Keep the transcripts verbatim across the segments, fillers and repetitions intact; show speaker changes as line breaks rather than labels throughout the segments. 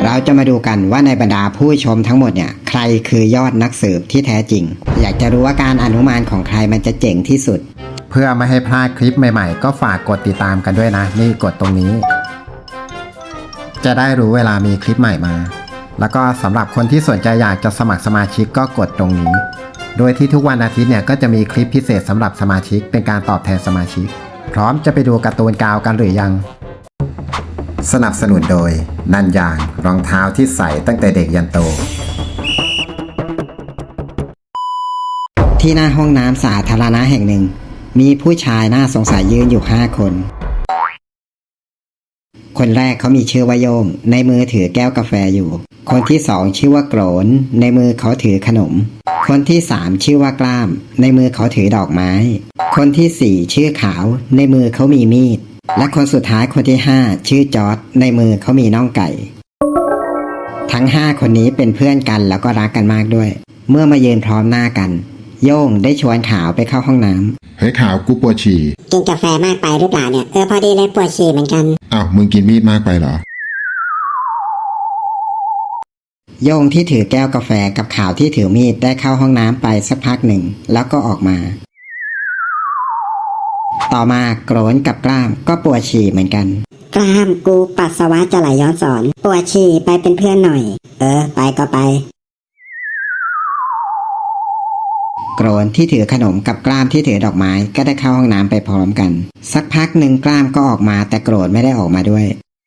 เราจะมาดูกันว่าในบรรดาผู้ชมทั้งหมดเนี่ยใครคือยอดนักสืบที่แท้จริงอยากจะรู้ว่าการอนุมานของใครมันจะเจ๋งที่สุดเพื่อไม่ให้พลาดคลิปใหม่ๆก็ฝากกดติดตามกันด้วยนะนี่กดตรงนี้จะได้รู้เวลามีคลิปใหม่มาแล้วก็สำหรับคนที่สนใจอยากจะสมัครสมาชิกก็กดตรงนี้โดยที่ทุกวันอาทิตย์เนี่ยก็จะมีคลิปพิเศษสำหรับสมาชิกเป็นการตอบแทนสมาชิกพร้อมจะไปดูการ์ตูนกาวกันหรือยังสนับสนุนโดยนันยางรองเท้าที่ใส่ตั้งแต่เด็กยันโตที่หน้าห้องน้ำสาธารณะแห่งหนึ่งมีผู้ชายน่าสงสัยยืนอยู่ห้าคนคนแรกเขามีชื่อว่าโยงในมือถือแก้วกาแฟอยู่คนที่สองชื่อว่าโกรนในมือเขาถือขนมคนที่สามชื่อว่ากล้ามในมือเขาถือดอกไม้คนที่สี่ชื่อขาวในมือเขามีมีดและคนสุดท้ายคนที่ห้าชื่อจอร์จในมือเขามีน่องไก่ทั้งห้าคนนี้เป็นเพื่อนกันแล้วก็รักกันมากด้วยเมื่อมายืนพร้อมหน้ากันโย่งได้ชวนขาวไปเข้าห้องน้ำ
เฮ้ยขาวกูปวดฉี่
กินกาแฟมากไปหรือเปล่าเนี่ยเออพอดีเลยปวดฉี่เหมือนกัน
อ้าวมึงกินมีดมากไปเหรอ
โย่งที่ถือแก้วกาแฟกับขาวที่ถือมีดได้เข้าห้องน้ำไปสักพักหนึ่งแล้วก็ออกมาต่อมาโกรนกับกล้ามก็ปวดฉี่เหมือนกัน
กล้ามกูปัสสาวะจะไหลย้อนสอนปวดฉี่ไปเป็นเพื่อนหน่อยเออไปก็ไป
โกรนที่ถือขนมกับกล้ามที่ถือดอกไม้ก็ได้เข้าห้องน้ำไปพร้อมกันสักพักหนึ่งกล้ามก็ออกมาแต่โกรนไม่ได้ออกมาด้วย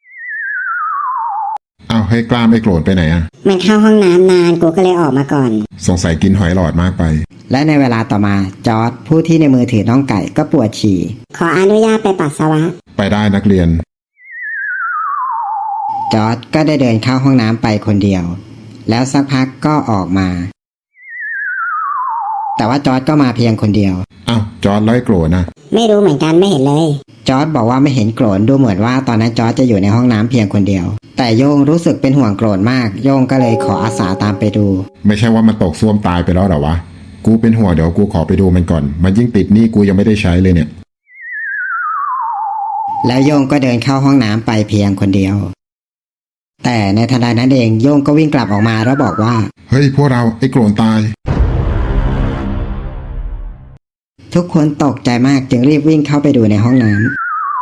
อ้าวให้กล้ามไอ้โกรนไปไหนอะ
มันเข้าห้องน้ำนานกูก็เลยออกมาก่อน
สงสัยกินหอยหลอดมากไป
และในเวลาต่อมาจอร์จผู้ที่ในมือถือน้องไก่ก็ปวดฉี่
ขออนุญาตไปปัสสาวะ
ไปได้นักเรียน
จอร์จก็ได้เดินเข้าห้องน้ำไปคนเดียวแล้วสักพักก็ออกมาแต่ว่าจอร์จก็มาเพียงคนเดียว
อ้าวจอร์จไล่โกรนนะ
ไม่รู้เหมือนกันไม่เห็นเลย
จอร์จบอกว่าไม่เห็นโกรนดูเหมือนว่าตอนนั้นจอร์จจะอยู่ในห้องน้ำเพียงคนเดียวแต่โย่งรู้สึกเป็นห่วงโกรนมากโย่งก็เลยขออาสาตามไปดู
ไม่ใช่ว่ามันตกซ่วมตายไปแล้วหรอวะกูเป็นห่วงเดี๋ยวกูขอไปดูมันก่อนมันยิ่งติดนี่กูยังไม่ได้ใช้เลยเนี่ย
แล้วโย่งก็เดินเข้าห้องน้ำไปเพียงคนเดียวแต่ในทันใดนั้นเองโย่งก็วิ่งกลับออกมาแล้วบอกว่า
เฮ้ยพวกเราไอ้โกรนตาย
ทุกคนตกใจมากจึงรีบวิ่งเข้าไปดูในห้องน้ำ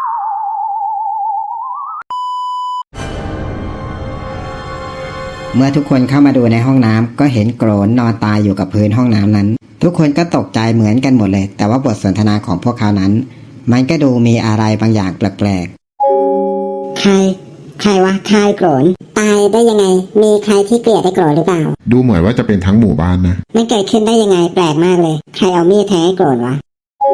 เมื่อทุกคนเข้ามาดูในห้องน้ำก็เห็นโกรนนอนตายอยู่กับพื้นห้องน้ำนั้นทุกคนก็ตกใจเหมือนกันหมดเลยแต่ว่าบทสนทนาของพวกเขานั้นมันก็ดูมีอะไรบางอย่างแปลก
ๆใครใครวะใครโกรนตายได้ยังไงมีใครที่เกลียดไอ้โกรนหรือเปล่า
ดูเหมือนว่าจะเป็นทั้งหมู่บ้านนะ
มันเกิดขึ้นได้ยังไงแปลกมากเลยใครเอามีดแทงไอ้โกรนวะ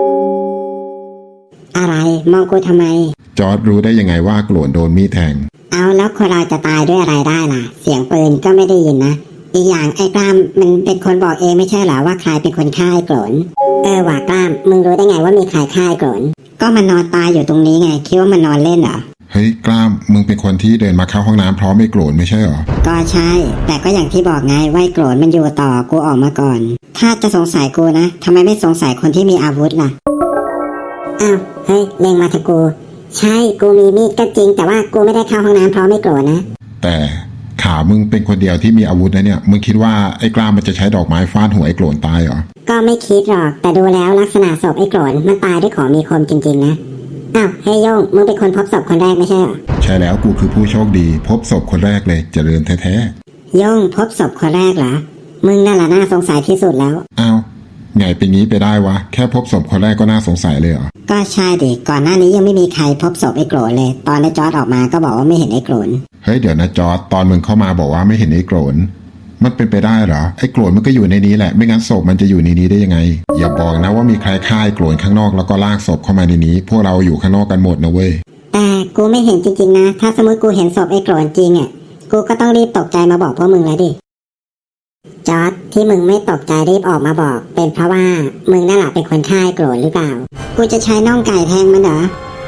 อะไรมองกูทำไม
จอร์จรู้ได้ยังไงว่าโกรนโดนมีดแทง
เอาแล้วคนเราจะตายด้วยอะไรได้ล่ะเสียงปืนก็ไม่ได้ยินนะอีกอย่างไอ้กล้ามมันเป็นคนบอกเองไม่ใช่เหรอว่าใครเป็นคนฆ่าไอ้โกรนเออว่ากล้ามมึงรู้ได้ไงว่ามีใครฆ่าไอ้โกรนก็มันนอนตายอยู่ตรงนี้ไงคิดว่ามันนอนเล่นเหรอ
เฮ้ยกล้ามมึงเป็นคนที่เดินมาเข้าห้องน้ำพร้อมไอ้โกรนไม่ใช่เหรอ
ก็ใช่แต่ก็อย่างที่บอกไงว่าไอ้โกรนมันอยู่ต่อกูออกมาก่อนถ้าจะสงสัยกูนะทำไมไม่สงสัยคนที่มีอาวุธล่ะอ้าวเฮ้ยเล็งมาทางกูใช่กูมีมีดก็จริงแต่ว่ากูไม่ได้เข้าห้องน้ำพร้อมไอ้โกรนนะ
แต่ขามึงเป็นคนเดียวที่มีอาวุธนะเนี่ยมึงคิดว่าไอ้กล้ามมันจะใช้ดอกไม้ฟาดหัวไอ้โกรนตายเหรอ
ก็ไม่คิดหรอกแต่ดูแล้วลักษณะศพไอ้โกรนมันตายด้วยของมีคมจริงๆนะอ้าวเฮ้ยโย่งมึงเป็นคนพบศพคนแรกไม่ใช่เหรอ
ใช่แล้วกูคือผู้โชคดีพบศพคนแรกเลยเจริญแท้
ๆโย่งพบศพคนแรกเหรอมึงนั่นแหละน่าสงสัยที่สุดแล้ว
อ้าวไงเป็นงี้ไปได้วะแค่พบศพคนแรกก็น่าสงสัยเลยเหรอ
ก็ใช่ดิก่อนหน้านี้ยังไม่มีใครพบศพไอ้โกรนเลยตอนไอ้จอร์จออกมาก็บอกว่าไม่เห็นไอ้โกรน
เฮ้ยเดี๋ยวนะจอร์จตอนมึงเข้ามาบอกว่าไม่เห็นไอ้โกรนมันเป็นไปได้เหรอไอ้โกรนมันก็อยู่ในนี้แหละไม่งั้นศพมันจะอยู่ในนี้ได้ยังไงอย่าบอกนะว่ามีใครฆ่าไอ้โกรนข้างนอกแล้วก็ลากศพเข้ามาในนี้พวกเราอยู่ข้างนอกกันหมดนะเว้ย
แต่กูไม่เห็นจริงๆนะถ้าสมมติกูเห็นศพไอ้โกรนจริงอ่ะกูก็ต้องรีบตกใจมาบอกพวกมึงแล้วดิจอร์จที่มึงไม่ตกใจรีบออกมาบอกเป็นเพราะว่ามึงนั่นแหละเป็นคนฆ่าไอ้โกรนหรือเปล่ากูจะใช้น่องไก่แทงมันเหรอ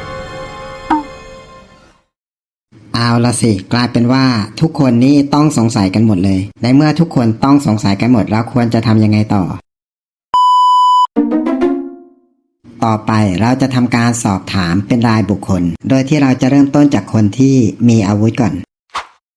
เอาละสิกลายเป็นว่าทุกคนนี่ต้องสงสัยกันหมดเลยในเมื่อทุกคนต้องสงสัยกันหมดแล้วควรจะทำยังไงต่อต่อไปเราจะทำการสอบถามเป็นรายบุคคลโดยที่เราจะเริ่มต้นจากคนที่มีอาวุธก่อน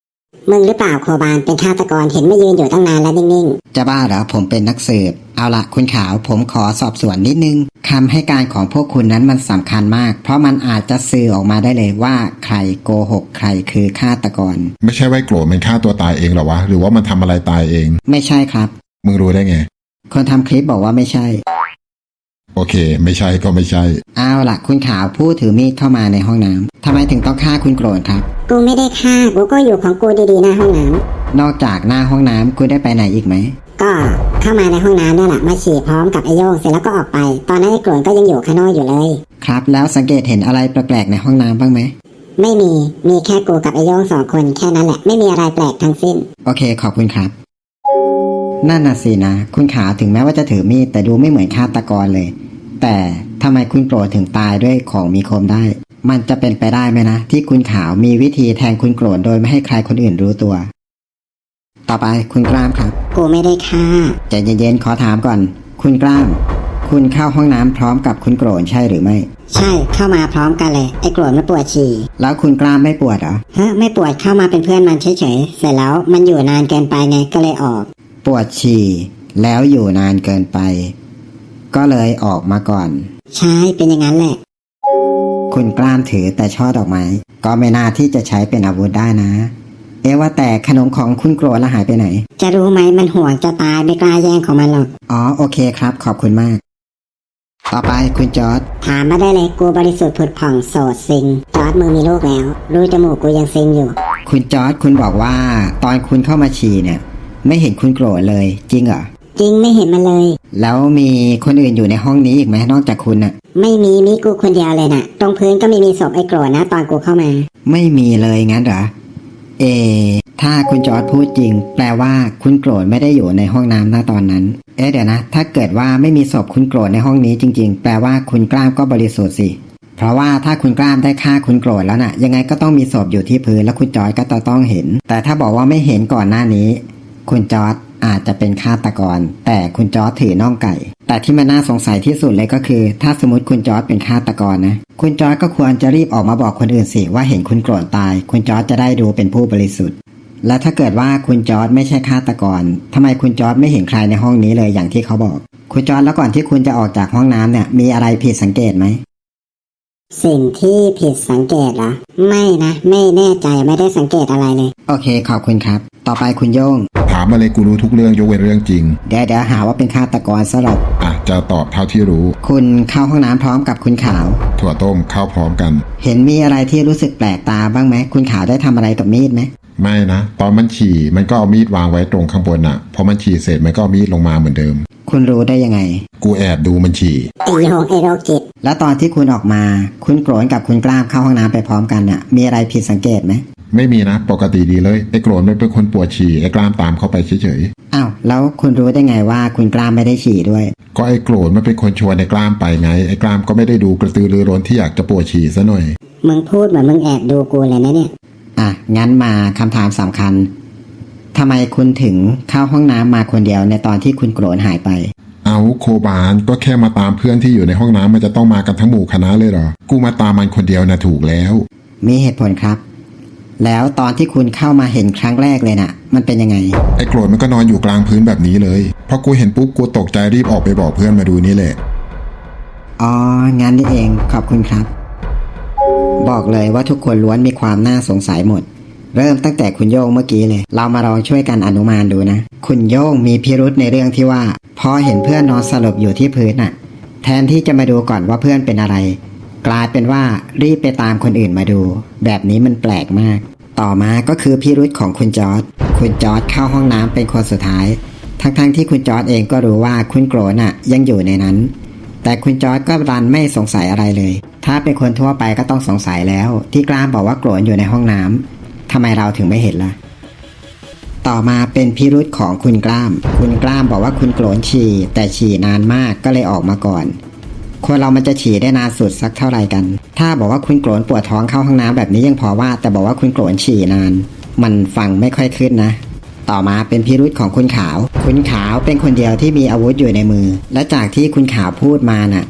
มึงหรือเปล่าโคบานเป็นฆาตกรเห็นมายืนอยู่ตั้งนานแล้วนิ่ง
จะบ้าเหรอผมเป็นนักสืบเอาละคุณขาวผมขอสอบสวนนิดนึงคำให้การของพวกคุณนั้นมันสำคัญมาก เพราะมันอาจจะสื่อออกมาได้เลยว่าใครโกหกใครคือฆาตกร
ไม่ใช่ว่าไอ้โกรธมันฆ่าตัวตายเองหรอวะหรือว่ามันทำอะไรตายเอง
ไม่ใช่ครับ
มึงรู้ได้ไง
คนทำคลิปบอกว่าไม่ใช่
โอเค ไม่ใช่ก็ไม่ใช่
เอาล่ะคุณขาวผู้ถือมีดเข้ามาในห้องน้ำทำไมถึงต้องฆ่าคุณโกรธครับ
ๆกูไม่ได้ฆ่ากูก็อยู่ของกูดีๆหน้าห้องน้ำ
นอกจากหน้าห้องน้ำคุณได้ไปไหนอีกไหม
ก็เข้ามาในห้องน้ำนี่แหละมาฉี่พร้อมกับไอโยงเสร็จแล้วก็ออกไป ตอนนั้นไอ้โกรธก็ยังอยู่ข้างนอกอยู่เลย
ครับแล้วสังเกตเห็นอะไรแปลกๆในห้องน้ำบ้างไหม
ไม่มีมีแค่กูกับไอโยงสองคนแค่นั้นแหละไม่มีอะไรแปลกทั้งสิ้น
โอเคขอบคุณครับนั่นน่ะสินะคุณขาวถึงแม้ว่าจะถือมีดแต่ดูไม่เหมือนฆาตกรเลย แต่ทำไมคุณโกรธถึงตายด้วยของมีคมได้ มันจะเป็นไปได้ไหมนะที่คุณขาวมีวิธีแทงคุณโกรธโดยไม่ให้ใครคนอื่นรู้ตัว ต่อไปคุณกล้ามครับ
กูไม่ได้ฆ่า
ใจเย็นๆขอถามก่อน คุณกล้าม คุณเข้าห้องน้ำพร้อมกับคุณโกรธใช่หรือไม่
ใช่เข้ามาพร้อมกันเลยไอ้โกรธมันปวดฉี่
แล้วคุณกล้ามไม่ปวดเหรอ
ฮะไม่ปวดเข้ามาเป็นเพื่อนมันเฉยๆเสร็จแล้วมันอยู่นานเกินไปไงก็เลยออก
ปวดฉี่แล้วอยู่นานเกินไป ก็เลยออกมาก่อน
ใช่เป็นอย่างนั้นแหละ
คุณกล้ามถือแต่ช่อดอกไม้ก็ไม่น่าที่จะใช้เป็นอาวุธได้นะ เอ๊ะว่าแต่ขนมของคุณโกรธละหายไปไหน
จะรู้ไหมมันห่วงจะตายไม่กล้าแย่งของมันหรอก
อ๋อโอเคครับขอบคุณมาก ต่อไปคุณจอร์ด
ถามมาได้เลยกูบริสุทธิ์ผุดผ่องโสดซิงจอร์ดมึงมีลูกแล้วรูจมูกกูยังซิงอยู่
คุณจอร์ดคุณบอกว่าตอนคุณเข้ามาฉี่เนี่ย ไม่เห็นคุณโกรธเลยจริงเหรอ
จริงไม่เห็นมันเลย
แล้วมีคนอื่นอยู่ในห้องนี้อีกไหมนอกจากคุณน่ะ
ไม่มีมีกูคนเดียวเลยน่ะ ตรงพื้นก็ไม่มีศพไอ้โกรธนะตอนกูเข้ามา
ไม่มีเลยงั้นเหรอ เอ ถ้าคุณจอร์ดพูดจริง แปลว่าคุณโกรธไม่ได้อยู่ในห้องน้ำณตอนนั้น เอ๊ะเดี๋ยวนะ ถ้าเกิดว่าไม่มีศพคุณโกรธในห้องนี้จริง ๆ แปลว่าคุณกล้ามก็บริสุทธิ์สิ เพราะว่าถ้าคุณกล้ามได้ฆ่าคุณโกรธแล้วน่ะ ยังไงก็ต้องมีศพอยู่ที่พื้นแล้วคุณจอร์ดก็จะต้องเห็น แต่ถ้าบอกว่าไม่เห็นก่อนหน้านี้ คุณจอร์ดอาจจะเป็นฆาตกร แต่คุณจอร์ดถือน่องไก่ แต่ที่มันน่าสงสัยที่สุดเลยก็คือ ถ้าสมมติคุณจอร์ดเป็นฆาตกรนะคุณจอร์ดก็ควรจะรีบออกมาบอกคนอื่นสิว่าเห็นคุณโกรธตาย คุณจอร์ดจะได้ดูเป็นผู้บริสุทธิ์ และถ้าเกิดว่าคุณจอร์ดไม่ใช่ฆาตกรทำไมคุณจอร์ดไม่เห็นใครในห้องนี้เลยอย่างที่เขาบอก คุณจอร์ดแล้วก่อนที่คุณจะออกจากห้องน้ำเนี่ยมีอะไรผิดสังเกตไหม
สิ่งที่ผิดสังเกตเหรอไม่นะไม่แน่ใจไม่ได้สังเกตอะไรเลย
โอเคขอบคุณครับ ต่อไปคุณโย่ง
ถามอะไรกูรู้ทุกเรื่องยกเว้นเรื่องจริง
เดี๋ยวเดี๋ยวหาว่าเป็นฆาตกรซะหรอก
อ่ะจะตอบเท่าที่รู้
คุณเข้าห้องน้ำพร้อมกับคุณขาว
ถั่วต้มเข้าพร้อมกัน
เห็นมีอะไรที่รู้สึกแปลกตาบ้างไหมคุณขาวได้ทำอะไรกับมีดไหม
ไม่นะ ตอนมันฉี่มันก็เอามีดวางไว้ตรงข้างบนน่ะพอมันฉี่เสร็จมันก็เอามีดลงมาเหมือนเดิม
คุณรู้ได้ยังไง
กูแอบดูมันฉี่
ไอโยงไอโรคจิต
แล้วตอนที่คุณออกมา คุณโกรธกับคุณกล้ามเข้าห้องน้ำไปพร้อมกันเนี่ยมีอะไรผิดสังเกตไหม
ไม่มีนะปกติดีเลยไอ้โกรธมันเป็นคนปวดฉี่ไอ้กล้ามตามเข้าไปเฉย
อ้าวแล้วคุณรู้ได้ไงว่าคุณกล้ามไม่ได้ฉี่ด้วย
ๆก็ไอ้โกรธมันเป็นคนชวนไอ้กล้ามไปไงไอ้กล้ามก็ไม่ได้ดูกระตือรือร้นที่อยากจะปวดฉี่ซะหน่อย
มึงพูดเหมือนมึงแอบดูกูเลยนะเนี่ย
อ่ะงั้นมาคำถามสำคัญทำไมคุณถึงเข้าห้องน้ำมาคนเดียวในตอนที่คุณโกรธหายไป
เอาโคบานก็แค่มาตามเพื่อนที่อยู่ในห้องน้ำมันจะต้องมากันทั้งหมู่คณะเลยเหรอกูมาตามมันคนเดียวนะถูกแล้ว
มีเหตุผลครับ แล้วตอนที่คุณเข้ามาเห็นครั้งแรกเลยน่ะ มันเป็นยังไง
ไอ้โกรธมันก็นอนอยู่กลางพื้นแบบนี้เลยพอกูเห็นปุ๊บกูตกใจรีบออกไปบอกเพื่อนมาดูนี่แหละ
อ๋องั้นนี่เองขอบคุณครับ บอกเลยว่าทุกคนล้วนมีความน่าสงสัยหมด เริ่มตั้งแต่คุณโย่งเมื่อกี้เลย เรามาลองช่วยกันอนุมานดูนะ คุณโย่งมีพิรุธในเรื่องที่ว่าพอเห็นเพื่อนนอนสลบอยู่ที่พื้นน่ะ แทนที่จะมาดูก่อนว่าเพื่อนเป็นอะไร กลายเป็นว่ารีบไปตามคนอื่นมาดู แบบนี้มันแปลกมาก ต่อมาก็คือพิรุธของคุณจอร์ดคุณจอร์ดเข้าห้องน้ำเป็นคนสุดท้าย ทั้งๆทที่คุณจอร์ดเองก็รู้ว่าคุณโกรธน่ะยังอยู่ในนั้น แต่คุณจอร์ดก็รันไม่สงสัยอะไรเลย ถ้าเป็นคนทั่วไปก็ต้องสงสัยแล้ว ที่กล้ามบอกว่าโกรธอยู่ในห้องน้ำทำไมเราถึงไม่เห็นล่ะ ต่อมาเป็นพิรุธของคุณกล้าม คุณกล้ามบอกว่าคุณโกรธฉี่แต่ฉี่นานมากก็เลยออกมาก่อน คนเรามันจะฉี่ได้นานสุดสักเท่าไหร่กัน ถ้าบอกว่าคุณโกรธปวดท้องเข้าห้องน้ำแบบนี้ยังพอว่า แต่บอกว่าคุณโกรธฉี่นาน มันฟังไม่ค่อยขึ้นนะ ต่อมาเป็นพิรุธของคุณขาว คุณขาวเป็นคนเดียวที่มีอาวุธอยู่ในมือ และจากที่คุณขาวพูดมาน่ะ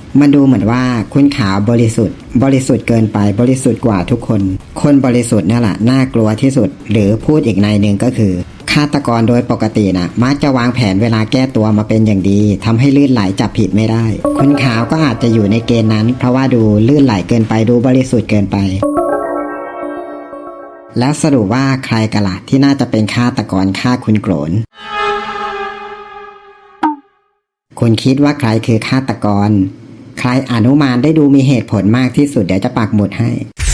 มันดูเหมือนว่าคุณขาวบริสุทธิ์บริสุทธิ์เกินไปบริสุทธิ์กว่าทุกคนคนบริสุทธิ์นั่นแหละน่ากลัวที่สุดหรือพูดอีกในหนึ่งก็คือฆาตกรโดยปกตินะมักจะวางแผนเวลาแก้ตัวมาเป็นอย่างดีทำให้ลื่นไหลจับผิดไม่ได้คุณขาวก็อาจจะอยู่ในเกณฑ์นั้นเพราะว่าดูลื่นไหลเกินไปดูบริสุทธิ์เกินไปแล้วสรุปว่าใครกันล่ะที่น่าจะเป็นฆาตกรฆ่าคุณโกรนคุณคิดว่าใครคือฆาตกรใครอนุมานได้ดูมีเหตุผลมากที่สุดเดี๋ยวจะปักหมุดให้